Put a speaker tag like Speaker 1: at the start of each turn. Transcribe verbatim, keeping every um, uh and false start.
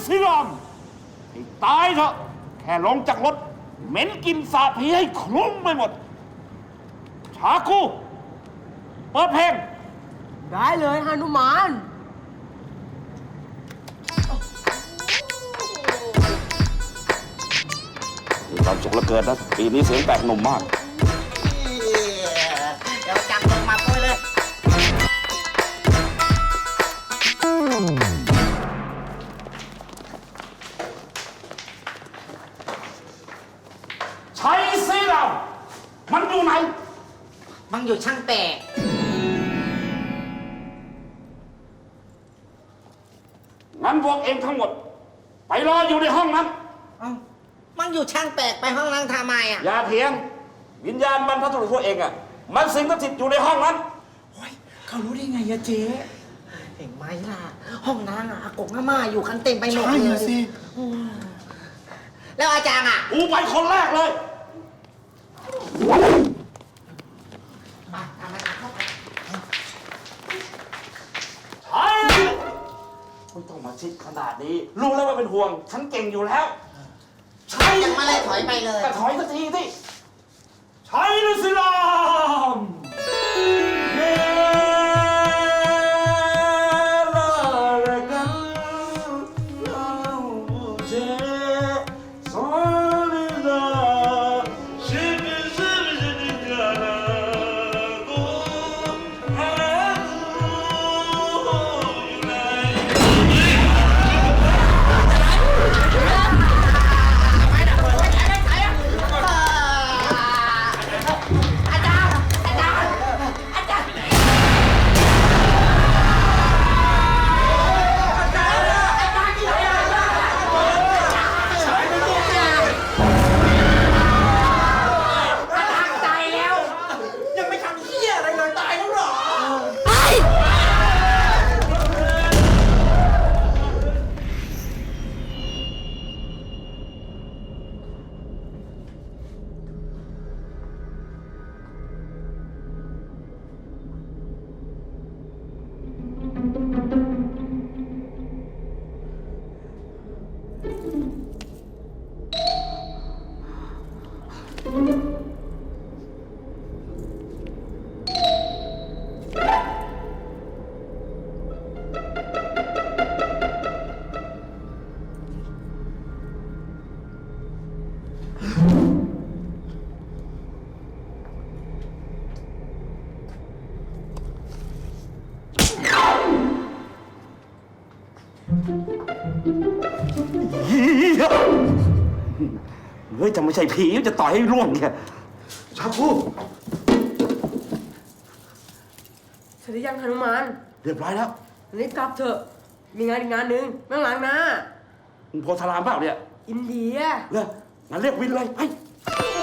Speaker 1: สิรามให้ตายเถอะแค่ลงจากรถเหม็นกินสาผีให้คลุ้งไปหมดชาคูเปิดเพลง
Speaker 2: ได้เลยหนุมาน
Speaker 1: มีความสุขเหลือเกินนะปีนี้เสียงแตกหนุ่มมาก
Speaker 3: เดี๋ยวจับลงมาปุ้ยเลย
Speaker 1: ใช้สิเรามันอยู่ไหน
Speaker 3: มันอยู่ช่างแตก
Speaker 1: งั้นพวกเองทั้งหมดไปรออยู่ในห้องนั้น
Speaker 3: มันอยู่ช่างแตกไปห้องนั้นทำไมอ่ะ
Speaker 1: อย่าเถียงวิญญาณบรรพบุรุษพวกเองอ่ะมันสิงสถิตอยู่ในห้องนั้น
Speaker 3: โอ้ยเขารู้ได้ไงอะเจ๊เห็นไหมล่ะห้องนั้นอะอากงอาม่าอยู่กันเต็มไปหมดเลยใช่สิแล้วอาจารย์อ่ะ
Speaker 1: กูไปคนแรกเลย
Speaker 3: มาทำไมเข้าไป
Speaker 1: ใช่ไม่ต้องมาชิดขนาดนี้รู้แล้วว่าเป็นห่วงฉันเก่งอยู่แล้ว
Speaker 3: ใช่ยังไม่เลยถอยไปเลย
Speaker 1: ก็ถอยสักทีสิใช่หรือสิลามเยลาระกันลาบูเจซอลิดาชิบิชิบิชิบิกาลากูอากูอยู่ไหนเฮ้ยจะไม่ใช่ผีจะต่อยให้ร่วงเนี่ยชาพู
Speaker 2: เสร็จหรือยังหนุมาน
Speaker 1: เรียบร้อยแล้ว
Speaker 2: รีบกลับเถอะมีงานอีกงานหนึ่งเมื่อหลังนะ
Speaker 1: มึงโพธารามเปล่าเนี่ย
Speaker 2: อินเดีย
Speaker 1: เนี่ยงั้นเรียกวินเลยไป